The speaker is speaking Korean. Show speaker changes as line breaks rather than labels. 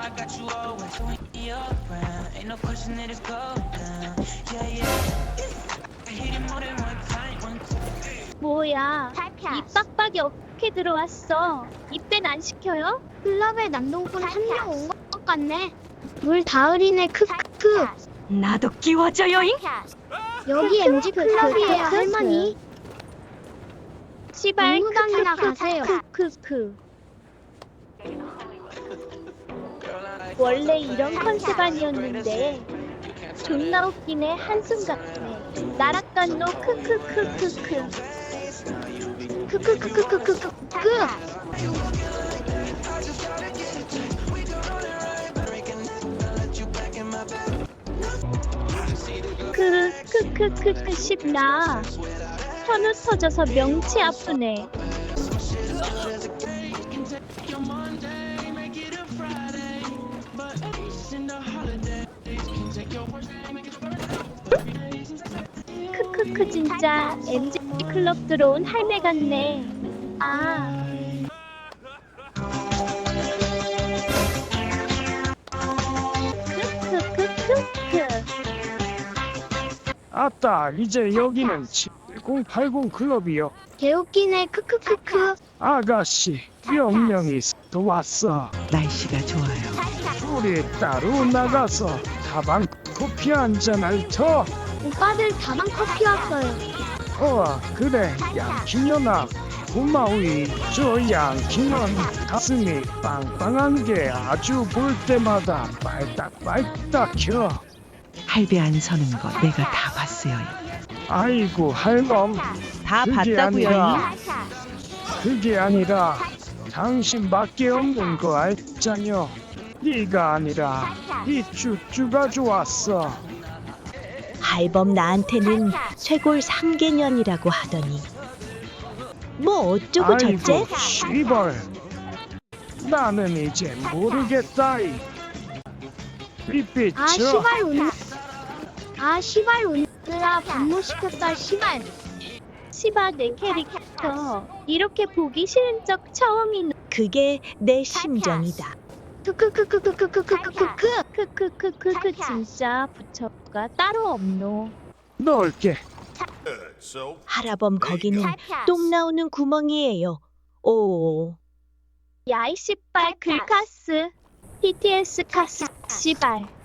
뭐야? 이 빡빡이 어떻게 들어왔어? 입밴 안 시켜요? 클럽에 남동분 한 명 온 것 같네. 물 다 흐리네. 크크크.
나도 끼워줘요잉.
여기 MG 클럽이에요, 할머니. 시발 무당이나 가세요. 크크크. 원래 이런 컨셉 아니었는데 존나 웃기네. 한숨 같네. 나락간 노 크크크크크. 크크크크크크크. 크크크크크 싶나. 현우 터져서 명치 아프네. 크크크 진짜 MG 클럽 들어온 할매 같네. 아. 크크크크크.
아따, 이제 여기는 7080 클럽이요.
개웃기네. 크크크크.
아가씨, 명령이 또 왔어.
날씨가 좋아요.
우리 따로 나가서 다방 커피 한잔할 터.
오빠들 다방 커피 왔어요.
그래, 양키년아. 고마우이. 저 양키년 가슴이 빵빵한 게 아주 볼 때마다 빨딱빨딱혀.
할배 안 서는 거 내가 다 봤어요.
아이고, 할멈.
다
그게
봤다고요.
아니라, 그게 아니라 당신밖에 없는 거 알잖여. 네가 아니라 이 쭈쭈가 좋았어.
할범 나한테는 쇄골 3개년이라고 하더니 뭐 어쩌고 저째?
아이고, 시벌. 나는 이제 모르겠다이. 삐삐쳐.
시발 오느라 분노시켰다. 시발 내 캐릭터 이렇게 보기 싫은 적 처음이네.
그게 내 심정이다.
크크크크크크크크크크크크크크 진짜 부처가 따로 없노.
넓게.
할아범 거기는 똥 나오는 구멍이에요. 오.
야이 씨발 글카스 BTS 카스 씨발.